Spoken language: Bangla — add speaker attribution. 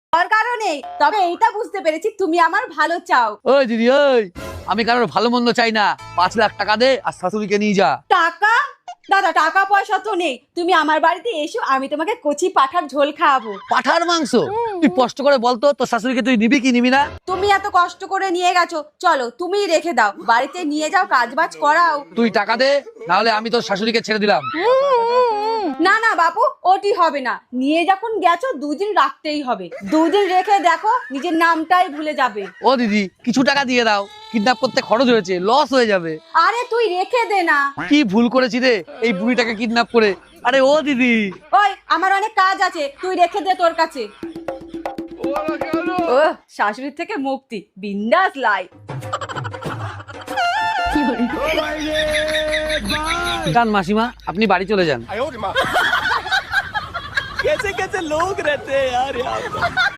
Speaker 1: দরকারও নেই, তবে এইটা বুঝতে পেরেছি তুমি আমার ভালো চাও।
Speaker 2: ওই দিদি ওই, আমি কারোর ভালো মন্দ চাই না। 5 লাখ টাকা দে আর শাশুড়িকে নিয়ে যা।
Speaker 1: টাকা? দাদা টাকা পয়সা তো নেই, তুমি আমার বাড়িতে এসো, আমি তোমাকে কচি পাঠার ঝোল খাওয়াবো।
Speaker 2: পাঠার মাংস? তুই কষ্ট করে বলতো তোর শাশুড়িকে তুই নিবি কি নিবি না?
Speaker 1: তুমি এত কষ্ট করে নিয়ে গেছো, চলো তুমিই রেখে দাও, বাড়িতে নিয়ে যাও, কাজবাজ করাও।
Speaker 2: তুই টাকা দে, নাহলে আমি তোর শাশুড়িকে ছেড়ে দিলাম।
Speaker 1: না না বাপু, ওটি হবে না, নিয়ে যখন গেছো 2 দিন রাখতেই হবে। 2 দিন রেখে দেখো নিজের নামটাই ভুলে যাবে।
Speaker 2: ও দিদি, কিছু টাকা দিয়ে দাও, কিডন্যাপ করতে খরচ হয়েছে, লস হয়ে যাবে।
Speaker 1: আরে তুই রেখে দে না।
Speaker 2: কি ভুল করেছি রে এই বুড়িটাকে কিডন্যাপ করে। আরে ও দিদি,
Speaker 1: ওই আমার অনেক কাজ আছে, তুই রেখে দে তোর কাছে। ও শাশুড়ির থেকে মুক্তি, বিন্দাস লাইফ।
Speaker 2: যান মাসিমা, আপনি বাড়ি চলে যান।
Speaker 3: कैसे कैसे लोग रहते हैं यार यहाँ पे।